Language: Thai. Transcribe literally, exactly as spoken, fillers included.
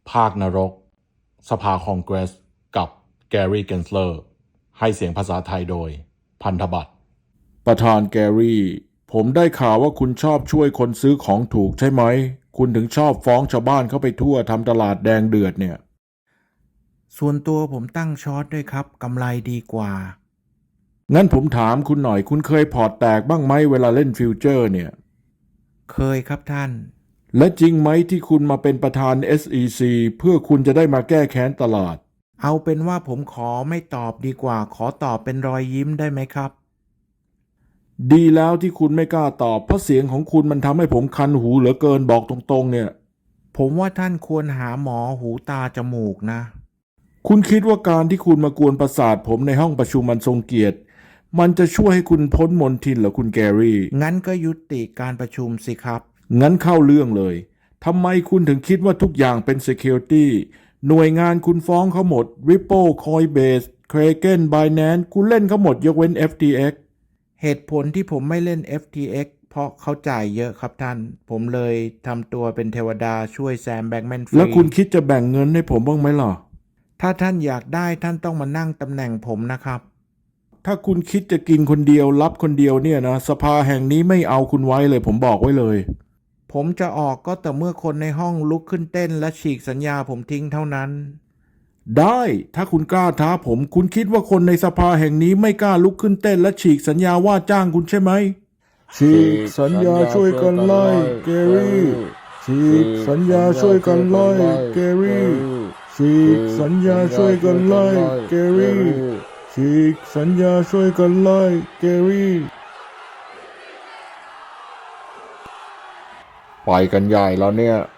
ภาคนรกสภาคองเกรสกับแกรี่เกนสเลอร์ให้เสียงภาษาไทยโดยพันธบัตรประธานแกรี่ผมได้ข่าวว่าคุณชอบช่วยคนซื้อของถูกใช่ไหมคุณถึงชอบฟ้องชาวบ้านเข้าไปทั่วทำตลาดแดงเดือดเนี่ยส่วนตัวผมตั้งช็อตด้วยครับกำไรดีกว่างั้นผมถามคุณหน่อยคุณเคยพอร์ตแตกบ้างไหมเวลาเล่นฟิวเจอร์เนี่ยเคยครับท่านและจริงไหมที่คุณมาเป็นประธาน เอส อี ซี เพื่อคุณจะได้มาแก้แค้นตลาดเอาเป็นว่าผมขอไม่ตอบดีกว่าขอตอบเป็นรอยยิ้มได้ไหมครับดีแล้วที่คุณไม่กล้าตอบเพราะเสียงของคุณมันทำให้ผมคันหูเหลือเกินบอกตรงๆเนี่ยผมว่าท่านควรหาหมอหูตาจมูกนะคุณคิดว่าการที่คุณมากวนประสาทผมในห้องประชุมมันทรงเกียรติมันจะช่วยให้คุณพ้นมนทินเหรอคุณแกรี่งั้นก็ยุติการประชุมสิครับงั้นเข้าเรื่องเลยทำไมคุณถึงคิดว่าทุกอย่างเป็น Security หน่วยงานคุณฟ้องเขาหมด Ripple Coinbase Kraken Binance คุณเล่นเขาหมดยกเว้น เอฟ ที เอ็กซ์เหตุผลที่ผมไม่เล่น เอฟ ที เอ็กซ์ เพราะเขาจ่ายเยอะครับท่านผมเลยทำตัวเป็นเทวดาช่วยแซมแบงค์แมนฟรีแล้วคุณคิดจะแบ่งเงินให้ผมบ้างไหมล่ะถ้าท่านอยากได้ท่านต้องมานั่งตำแหน่งผมนะครับถ้าคุณคิดจะกินคนเดียวรับคนเดียวเนี่ยนะสภาแห่งนี้ไม่เอาคุณไว้เลยผมบอกไว้เลยผมจะออกก็แต่เมื่อคนในห้องลุกขึ้นเต้นและฉีกสัญญาผมทิ้งเท่านั้นได้ถ้าคุณกล้าท้าผมคุณคิดว่าคนในสภาแห่งนี้ไม่กล้าลุกขึ้นเต้นและฉีกสัญญาว่าจ้างคุณใช่ไหมฉีกสัญญาช่วยกันไล่เกรี่ฉีกสัญญาช่วยกันไล่เกรี่ฉีกสัญญาช่วยกันไล่เกรี่ฉีกสัญญาช่วยกันไล่เกรี่ไปกันใหญ่แล้วเนี่ย